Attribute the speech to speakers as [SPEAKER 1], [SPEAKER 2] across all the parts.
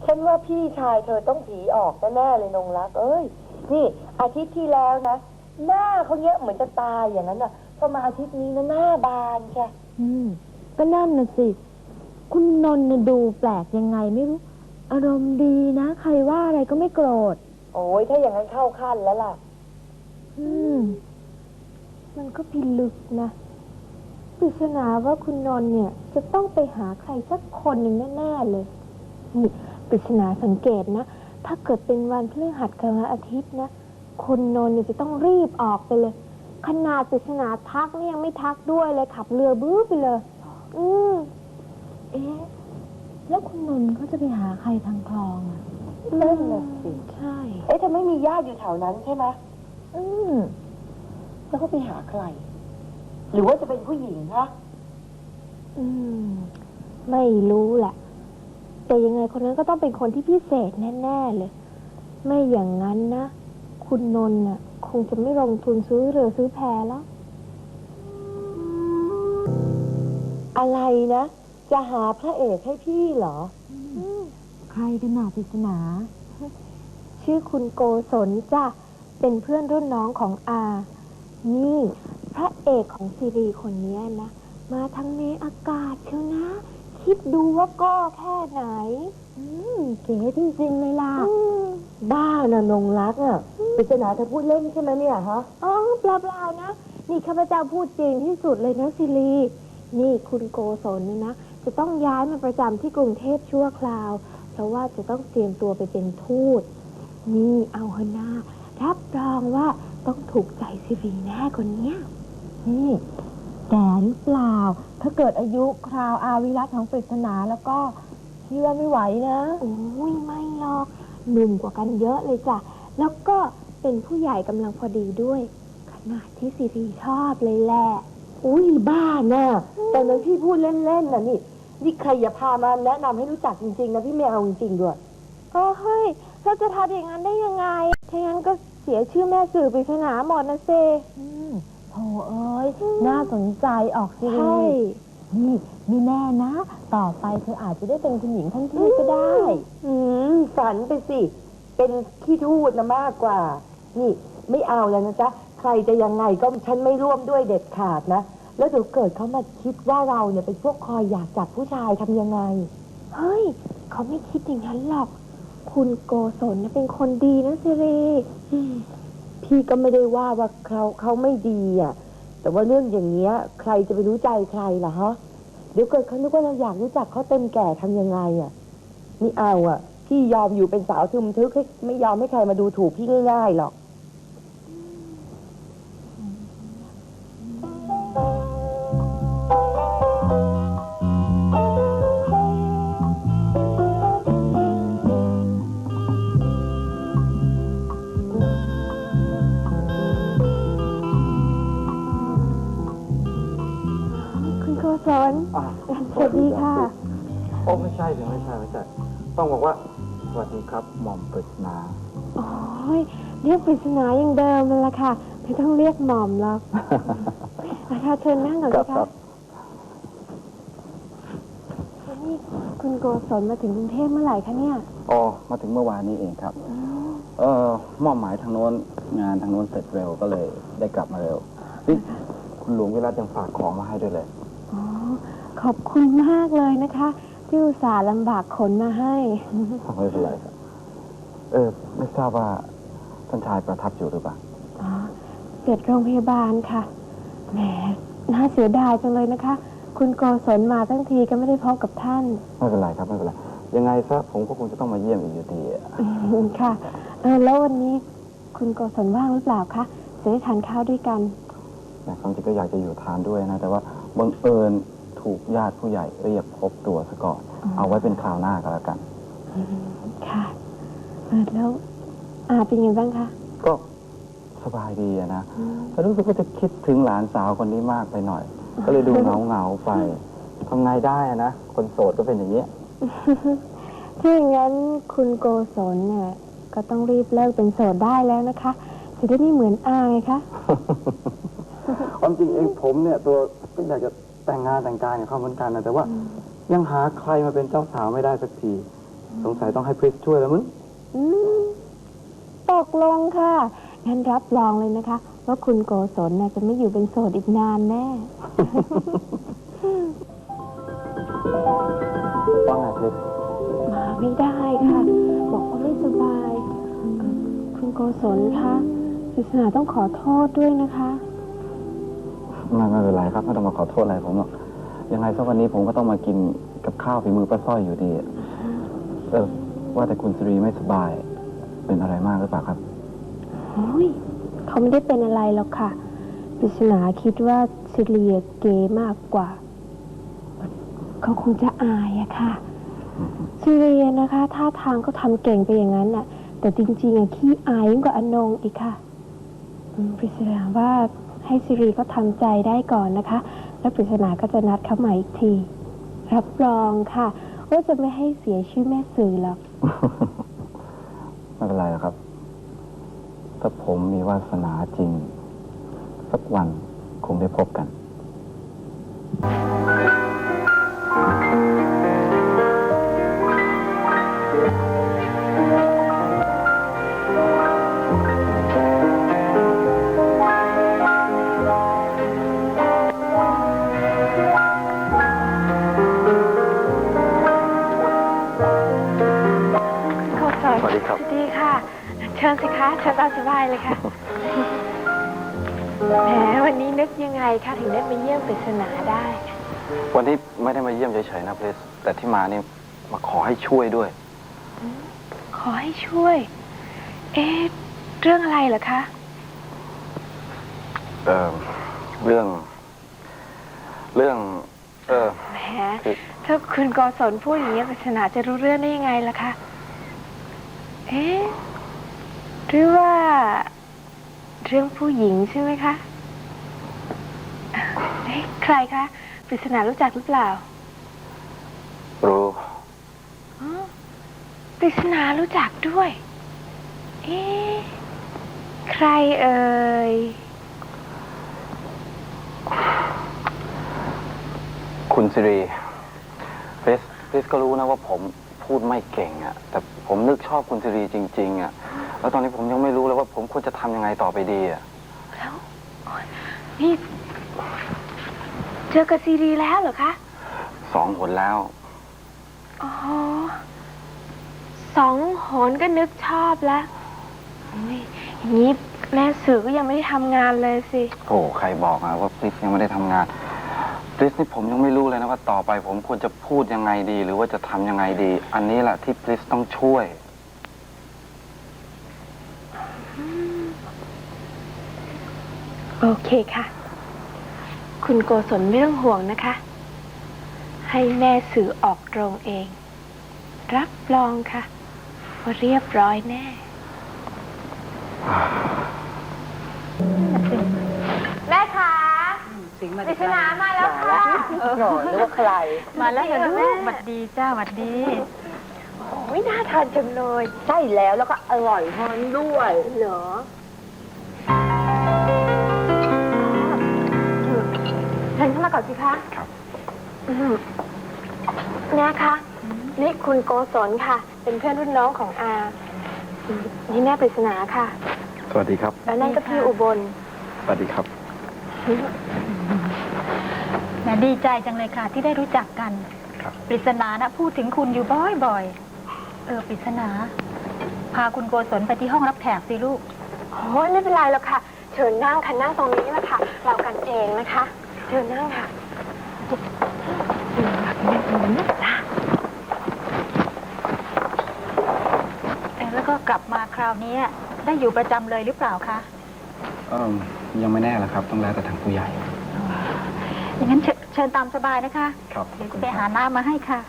[SPEAKER 1] ฉันว่าพี่ชายเธอต้องผีออกแน่ๆเลยนงรักเอ้ยนี่อาทิตย์ที่แล้วนะหน้าเขาเยอะเหมือนจะตายอย่างนั้นน่ะพอมาอาทิตย์นี้นะหน้าบานใช่
[SPEAKER 2] ก็นั่นน่ะสิคุณนนท์ดูแปลกยังไงไม่รู้อารมณ์ดีนะใครว่าอะไรก็ไม่โกรธ
[SPEAKER 1] โอ้ยถ้าอย่างนั้นเข้าขั้นแล้วล่ะ
[SPEAKER 2] มันก็พิลึกนะปริศนาว่าคุณนนท์เนี่ยจะต้องไปหาใครสักคนหนึ่งแน่ๆเลยนี่ปริศนาสังเกตนะถ้าเกิดเป็นวันพฤหัสกับวันอาทิตย์นะคุณนนท์เนี่ยจะต้องรีบออกไปเลยขนาดปริศนาทักเนี่ยยังไม่ทักด้วยเลยขับเรือบื้อไปเลยเอ๊ะแล้วคุณนนท์เขาจะไปหาใครทางคลองอ่ะ
[SPEAKER 1] นั่นน่ะสิ
[SPEAKER 2] ใช่
[SPEAKER 1] เธอไม่มีญาติอยู่แถวนั้นใช่ไหมแล้วก็ไปหาใครหรือว่าจะเป็นผู้หญิงคะ
[SPEAKER 2] ไม่รู้แหละแต่ยังไงคนนั้นก็ต้องเป็นคนที่พิเศษแน่ๆเลยไม่อย่างนั้นนะคุณนนท์น่ะคงจะไม่ลงทุนซื้อเรือซื้อแพแล้ว
[SPEAKER 1] อะไรนะจะหาพระเอกให้พี่เหรอ
[SPEAKER 2] ใครกันหนาปริศนาชื่อคุณโกศลจ้ะเป็นเพื่อนรุ่นน้องของอานี่พระเอกของซีรีส์คนนี้นะมาทั้งในอากาศเชียวนะคิดดูว่าก็แค่ไหนเก๋จริงๆเลยล่ะ
[SPEAKER 1] บ้านะนงรักอ่ะปริศนาเธอพูดเล่นใช่ไหมเนี่ยฮะ
[SPEAKER 2] เปล่าๆนะนี่ข้าพเจ้าพูดจริงที่สุดเลยนะซิลีนี่คุณโกศลเนี่ยนะจะต้องย้ายมาประจำที่กรุงเทพชั่วคราวเพราะว่าจะต้องเตรียมตัวไปเป็นทูตนี่เอาเถอะนะรับรองว่าต้องถูกใจซิลีแน่คนเนี้ยนี่แก่หรือเปล่าถ้าเกิดอายุคราวอาวิรัติของปริศนาแล้วก็พี่ว่าไม่ไหวนะโอ้ยไม่หรอกหนุ่มกว่ากันเยอะเลยจ้ะแล้วก็เป็นผู้ใหญ่กำลังพอดีด้วยขนาดที่ซีรีชอบเลยแหละ
[SPEAKER 1] อุ้ยบ้าน่ะตอนนั้นพี่พูดเล่นๆน่ะนี่ใครอย่าพามาแนะนำให้รู้จักจริงๆนะพี่ไม่เอาจริงๆด้วย
[SPEAKER 2] เฮ้ยเราจะทำอย่างนั้นได้ยังไงถ้างั้นก็เสียชื่อแม่สื่อปริศนาหมดนะเซโธ่เอ้ยน่าสนใจออกซีรีส์นี่มีแน่นะต่อไปเธออาจจะได้เป็นคุณหญิงท่านทูตก็ได้
[SPEAKER 1] ฝันไปสิเป็นขี้ทูตนะมากกว่านี่ไม่เอาแล้วนะจ๊ะใครจะยังไงก็ฉันไม่ร่วมด้วยเด็ดขาดนะแล้วเดี๋ยวเกิดเขามาคิดว่าเราเนี่ยเป็นพวกคอยอยากจับผู้ชายทำยังไง
[SPEAKER 2] เฮ้ยเขาไม่คิดอย่างนั้นหรอกคุณโกศลเป็นคนดีนะซิรี
[SPEAKER 1] พี่ก็ไม่ได้ว่าเขาไม่ดีอ่ะแต่ว่าเรื่องอย่างเงี้ยใครจะไปรู้ใจใครล่ะฮะเดี๋ยวเกิดเขานึกว่าเราอยากรู้จักเขาเต็มแก่ทำยังไงอ่ะนี่เอาอ่ะพี่ยอมอยู่เป็นสาวทึมทึกไม่ยอมให้ใครมาดูถูกพี่ง่ายๆหรอก
[SPEAKER 2] สวัสดีค่ะ
[SPEAKER 3] โอ้ไม่ใช่เลยไม่ใช่ต้องบอกว่าสวัสดีครับหม่อมปริศนา
[SPEAKER 2] โอ้ยเรียกปริศนาอย่างเดิมเลยล่ะค่ะไม่ต้องเรียกหม่อมหรอกนะคะเชิญนั่งก่อนสิคะนี่คุณโกศลมาถึงกรุงเทพเมื่อไหร่คะเนี่ย
[SPEAKER 3] อ๋อมาถึงเมื่อวานนี้เองครับมอบหมายทางโน้นงานทางโน้นเสร็จเร็วก็เลยได้กลับมาเร็วนี่คุณหลวงวิรัตยังฝากของมาให้ด้วยเลย
[SPEAKER 2] ขอบคุณมากเลยนะคะที่อุตส่าห์ลำบากขนมาให้
[SPEAKER 3] ไม่เป็นไรครับไม่ทราบว่าท่านชายประทับอยู่หรือเปล่า
[SPEAKER 2] เกิดโรงพยาบาลค่ะแหมน่าเสียดายจังเลยนะคะคุณโกศลมาทั้งทีก็ไม่ได้พบกับท่าน
[SPEAKER 3] ไม่เป็นไรครับไม่เป็นไรยังไงซะผมก็คงจะต้องมาเยี่ยมอีกอยู่ดี
[SPEAKER 2] ค่ะแล้ววันนี้คุณโกศลว่างหรือเปล่าคะจะได้ทานข้าวด้วยกัน
[SPEAKER 3] ความจริงก็อยากจะอยู่ทานด้วยนะแต่ว่าบังเอิญถูกญาติผู้ใหญ่เรียกพบตัวซะก่อนเอาไว้เป็นคราวหน้าก็แล้วกัน
[SPEAKER 2] ค่ะแล้วเป็นยังไงบ้างคะ
[SPEAKER 3] ก็สบายดีนะแต่รู้สึกว่าจะคิดถึงหลานสาวคนนี้มากไปหน่อยก็เลยดูเหงาไปทำไงได้นะคนโสดก็เป็นอย่างนี้
[SPEAKER 2] ถ้าอย่างนั้นคุณโกศลเนี่ยก็ต้องรีบเลิกเป็นโสดได้แล้วนะคะจะได้ไม่เหมือนอาไงคะ
[SPEAKER 3] ความจริงเองผมเนี่ยตัวก็อยากจะแต่งงานแต่งการกับเขาเหมือนกันนะแต่ว่ายังหาใครมาเป็นเจ้าสาวไม่ได้สักทีสงสัยต้องให้พริสช่วยแล้วมั้ง
[SPEAKER 2] อืมตกลงค่ะ งั้นรับรองเลยนะคะ ว่าคุณโกศลน่ะจะไม่อยู่เป็นโสดอีกนานแน่
[SPEAKER 3] ว่าไงพริส
[SPEAKER 2] มาไม่ได้ค่ะ บอกว่าไม่สบายคุณโกศลคะปริศนาต้องขอโทษด้วยนะคะ
[SPEAKER 3] ไม่เป็นไรครับไม่ต้องมาขอโทษอะไรผมหรอกยังไงสักวันนี้ผมก็ต้องมากินกับข้าวฝีมือป้าสร้อยอยู่ดีว่าแต่คุณสิรีไม่สบาย เป็นอะไรมากหรือเปล่าครับ
[SPEAKER 2] โอ้ยเขาไม่ได้เป็นอะไรหรอกค่ะปริศนาคิดว่าซิเลียเกย์มากกว่า เขาคงจะอายอะค่ะซิเลียนะคะท่าทางก็ทำเก่งไปอย่างนั้นน่ะ แต่จริงๆอะขี้อายยิ่งกว่าอนงอีกค่ะปริศนาว่าให้ซิรีก็ทำใจได้ก่อนนะคะ แล้วปริศนาก็จะนัดเขาใหม่อีกที รับรองค่ะว่าจะไม่ให้เสียชื่อแม่สื่อหรอก
[SPEAKER 3] ไม่เป็นไรหรอกครับ ถ้าผมมีวาสนาจริง สักวันคงได้พบกัน สวัสดีครับ
[SPEAKER 2] ดีค่ะ เชิญสิคะเชิญตามสบายเลยค่ะ แหมวันนี้นึกยังไงคะถึงได้มาเยี่ยมปริศนาได้
[SPEAKER 3] วันนี้ไม่ได้มาเยี่ยมเฉยๆนะเพลสแต่ที่มานี่มาขอให้ช่วยด้วย
[SPEAKER 2] ขอให้ช่วย เอ๊ะ เรื่องอะไรเหรอคะ
[SPEAKER 3] เรื่อง
[SPEAKER 2] แหม
[SPEAKER 3] คือ
[SPEAKER 2] ถ้าคุณกศลพูดอย่างนี้ปริศนาจะรู้เรื่องได้ยังไงล่ะคะ เอ๊ะ หรือว่า เรื่องผู้หญิงใช่ไหมคะ เอ๊ะ ใครคะปริศนารู้จักหรือเปล่า
[SPEAKER 3] รู้
[SPEAKER 2] อ๋อปริศนารู้จักด้วย เอ๊ะ ใครเอ่ย
[SPEAKER 3] คุณสิรีเพลสก็รู้นะว่าผมพูดไม่เก่งอะแต่ผมนึกชอบคุณสิรีจริงๆอะแล้วตอนนี้ผมยังไม่รู้เลยว่าผมควรจะทำยังไงต่อไปดีอะ
[SPEAKER 2] แล้วโอ๊ยนี่ เจอกับซีรีแล้วเหรอคะ
[SPEAKER 3] 2 หนแล้ว
[SPEAKER 2] อ๋อ 2 หนก็นึกชอบแล้วอุ๊ยอย่างนี้แม่สื่อก็ยังไม่ได้ทำงานเลยสิ
[SPEAKER 3] โอ้ใครบอกอะว่าพริสยังไม่ได้ทำงานพริสนี่ผมยังไม่รู้เลยนะว่าต่อไปผมควรจะพูดยังไงดี หรือว่าจะทำยังไงดี อันนี้แหละที่พริสต้องช่วย
[SPEAKER 2] โอเคค่ะ คุณโกศลไม่ต้องห่วงนะคะ ให้แม่สื่อออกโรงเอง รับรองค่ะว่าเรียบร้อยแน่ แม่คะปริศนามาแล้วค่ะ
[SPEAKER 1] หน่อยนึกว่าใคร
[SPEAKER 2] มาแล้วเหรอลูก
[SPEAKER 4] หวัดดีจ้าหวัดดี
[SPEAKER 2] โอ้ยน่าทานจังเลย
[SPEAKER 1] ใช่แล้วแล้วก็อร่อยฮอนด้วย
[SPEAKER 2] เหรอเชิญเข้ามาก่อนสิคะ
[SPEAKER 3] ครับ
[SPEAKER 2] เนี่ยคะนี่คุณโกศลค่ะ เป็นเพื่อนรุ่นน้องของอานี่แม่ปริศนาค่ะ
[SPEAKER 3] สวัสดีครับ
[SPEAKER 2] แล้วนั่นก็พี่อุบล
[SPEAKER 3] สวัสดีครับ
[SPEAKER 4] แหมดีใจจังเลยค่ะ ที่ได้รู้จักกัน
[SPEAKER 3] ครับ
[SPEAKER 4] ปริศนานะพูดถึงคุณอยู่บ่อยๆปริศนา พาคุณโกศลไปที่ห้องรับแขกสิลูก
[SPEAKER 2] โอ้ยไม่เป็นไรหรอกค่ะ เชิญนั่งค่ะนั่งตรงนี้แหละค่ะ เรากันเองนะคะ เชิญนั่งค่ะจ้ะ
[SPEAKER 4] แล้วก็กลับมาคราวนี้ได้อยู่ประจำเลยหรือเปล่าคะ
[SPEAKER 3] ยังไม่แน่ละครับ ต้องแล้วแต่ทางผู้ใหญ่
[SPEAKER 4] อย่างนั้นเชิญตามสบายนะคะ
[SPEAKER 3] ครับ
[SPEAKER 4] เดี๋ยวจะไปหาน้ำมาให้ค่ะ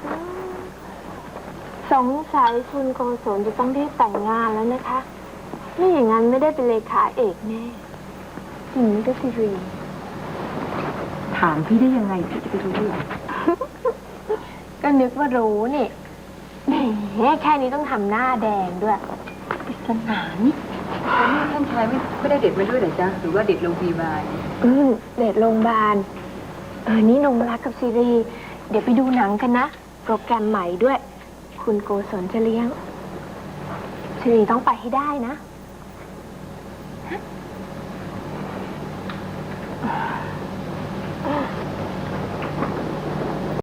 [SPEAKER 2] สงสัยคุณโกศลจะต้องได้แต่งงานแล้วนะคะไม่อย่างนั้นไม่ได้เป็นเลขาเอกแน่อย่างนี้ก็สิรี
[SPEAKER 1] ถามพี่ได้ยังไงพี่จะไปรู้ได้
[SPEAKER 2] ก็นึกว่ารู้นี่แหมแค่นี้ต้องทำหน้าแดงด้วยปริศนานี่
[SPEAKER 5] แล้วนี่ท่านชายไม่ได้เด็ดไว้ด้วยเหรอจ๊ะหรือว่าเด็ดโรงพยาบาล
[SPEAKER 2] เดทโรงพยาบาลนี่นงรักกับซีรี เดี๋ยวไปดูหนังกันนะ โปรแกรมใหม่ด้วย คคุณโกศลจะเลี้ยงสิริต้องไปให้ได้นะ
[SPEAKER 4] ฮ